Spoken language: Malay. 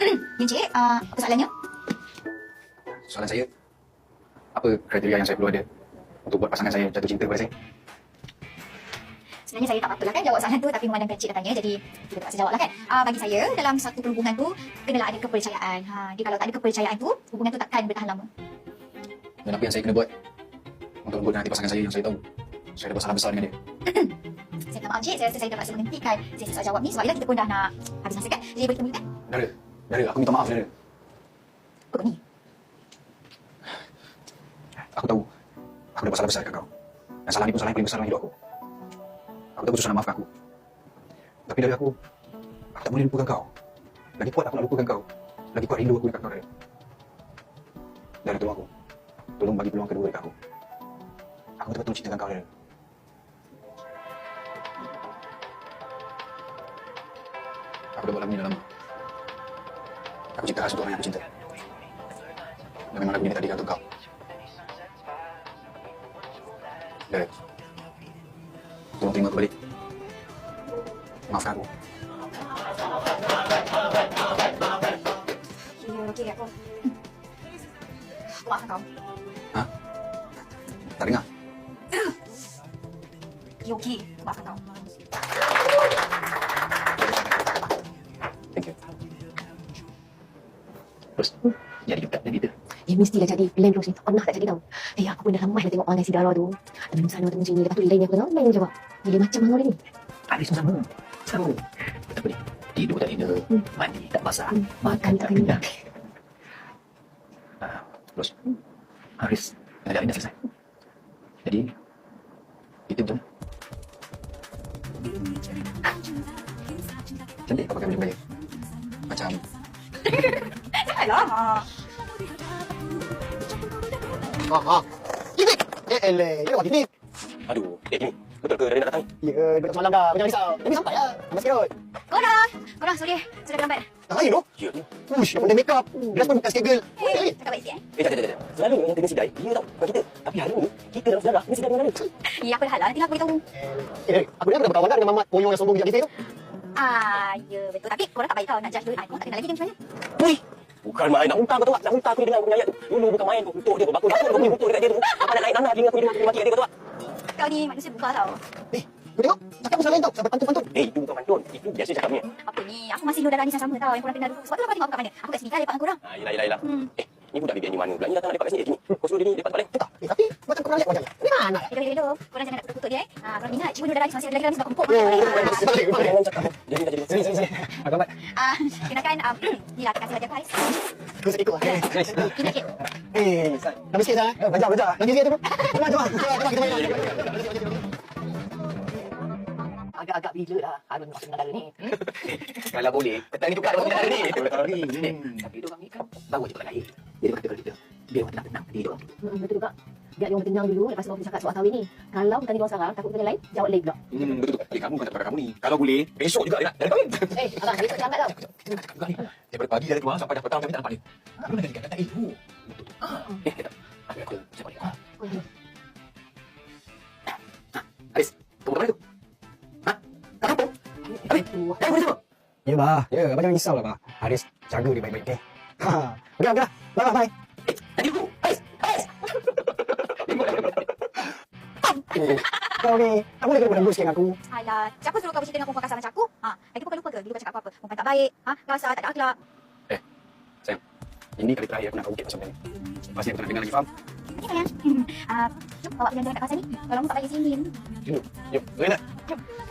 Encik, apa soalannya? Soalan saya, apa kriteria yang saya perlu ada untuk buat pasangan saya jatuh cinta kepada saya? Sebenarnya saya tak apa-apa lah kan jawab soalan tu, tapi memandangkan cik dah tanya, jadi kita terpaksa jawab lah kan. Bagi saya, dalam satu perhubungan tu, kenalah ada kepercayaan. Jadi kalau tak ada kepercayaan tu, hubungan tu takkan bertahan lama. Dan apa yang saya kena buat untuk lembutkan hati pasangan saya yang saya tahu saya ada masalah besar dengan dia? Saya minta maaf cik, saya rasa saya terpaksa menghentikan sesi soal jawab ni sebab bila kita pun dah nak habis masa kan. Jadi boleh temukan? Dara, aku minta maaf, Dara. Apa kau ni? Aku tahu aku ada masalah besar dekat kau. Dan salah ni pun salah yang paling besar dalam hidup aku. Aku tahu susah nak maafkan aku. Tapi dari aku tak boleh lupakan kau. Lagi kuat aku nak lupakan kau, lagi kuat rindu aku dekat kau, Dara. Dara, tolong aku. Tolong bagi peluang kedua dekat aku. Aku betul-betul cintakan kau, Dara. Aku dah buat lagu ni dah lama. Aku cinta khas untuk orang yang aku cinta. Dan memang lagu ni tadi untuk kau. Dara, tolong terima aku balik. Maafkan aku. Okey, aku. Aku maafkan kau. Hah? Tak dengar? Okey, aku maafkan kau. Thank you. Terus, jadi juga dan itu. Mestilah jadi. Plan terus ni tak pernah tak jadi tau. Aku pun dah lama dah tengok online si Dara tu. Ada di sana temu sini. Lepas tu lain aku tahu. Lain jawab. Dia macam mana dia ni? Habis tu sama. Apa ni? Tidur tak tidur. Mandi tak basah. Makan tak kenyang. Terus, Haris, kerjaan dah selesai. Jadi, itu betul. Cantik kau pakai baju Melayu. Macam Janganlah. Titik! Eleh, dia buat titik. Aduh, gini. Betul ke Rina nak datang? Ya, dekat semalam dah. Jangan risau. Tapi sampai lah. Abang sikit. Korang, sorry. Sudah terlambat. Tak lain tu. Ya tu. Ush, dah pandai make up. Dress pun bukan skegel. Cakap baik sikit Tak. Selalu yang kena sidai, dia tau. Bukan kita. Tapi hari ni, kita dalam sejarah kena sidai dengan mana? Ya, apa dah lah. Nanti aku beritahu. Aku dah berkawan dah dengan Mamat Poyong yang sombong bijak kita tu. Ya betul. Tapi korang tak baik tau nak judge dulu. Korang tak kenal lagi dia macam mana? Wih! Bukan main nak muntah kau tahu tak? Nak muntah aku ni dengar aku punya ayat tu. Dulu bukan main kau kutuk dia, kau bakul-bakul kau punya kutuk dekat dia tu. Apa nak naik nanah telinga aku jadi mati kat dia kau tahu tak? Kau ni manusia buka tau. Kau tengok, cakap pasal lain tau. Sampai pantun-pantun. Itu bukan pantun. Itu biasa cakapnya. Apa ni? Aku masih Nur Darani sama tau. Yang korang kenal dulu. Sebab tu kau tengok aku kat mana. Aku kat sini kan lepak dengan korang. Yelah. Ni budak BBN ni mana pula? Ni datang nak lepak kat sini kat sini. Kau suruh dia ni lepak balik. Tak, tapi macam korang lihat wajahnya. Di mana? Hidup. Korang jangan nak kutuk dia Korang ingat Cikgu Nur Darani masih ada lagi dalam sebab kumpul. Jangan cakap. Jadi. Sini. Agak mat. Kenakan ni lah terkasih wajah Haris. Kau saya ikut. Ini sikit. Dah sikit dah. Baca. Lagi sikit tu. Jom, kita main. Agak-agak bila dah Harun masuk negara ni. Kalau boleh, petang ni tukar dengan negara ni. Tapi diorang ni kan baru je perangai. Jadi dia kata kalau kita biar orang tenang-tenang tadi diorang tu. Betul juga. Biar diorang tenang dulu. Lepas tu orang cakap soal kahwin ni. Kalau bukan diorang sekarang, takut benda lain, jawab lain pula. Betul. Kamu bukan tak pakai kamu ni. Kalau boleh, besok juga dia nak kahwin. Abang, besok jangan tau. Kita nak cakap juga ni. Daripada pagi dah keluar sampai dah petang kami tak nampak dia. Mana dia kata itu? Betul. Aku saya balik. Haris, tunggu mana tu? Ya, bah. Ya, abang jangan risau lah, bah. Haris, jaga dia baik-baik, okey? Okey, bye. Tadi aku. Haris. Kau ni, tak boleh kena sikit dengan aku. Alah, siapa suruh kau bercerita dengan perempuan kasar macam aku? Lagi kau lupa ke? Dulu kau cakap apa-apa? Perempuan tak baik, kasar, tak ada akhlak. sayang. Ini kali terakhir aku nak kau ukit pasal benda ni. Pasti aku tak nak dengar lagi, faham? Okey, sayang. Jom bawa jalan-jalan kat kawasan ni. Kalau kamu tak balik sini. Jom, Rina. Jom.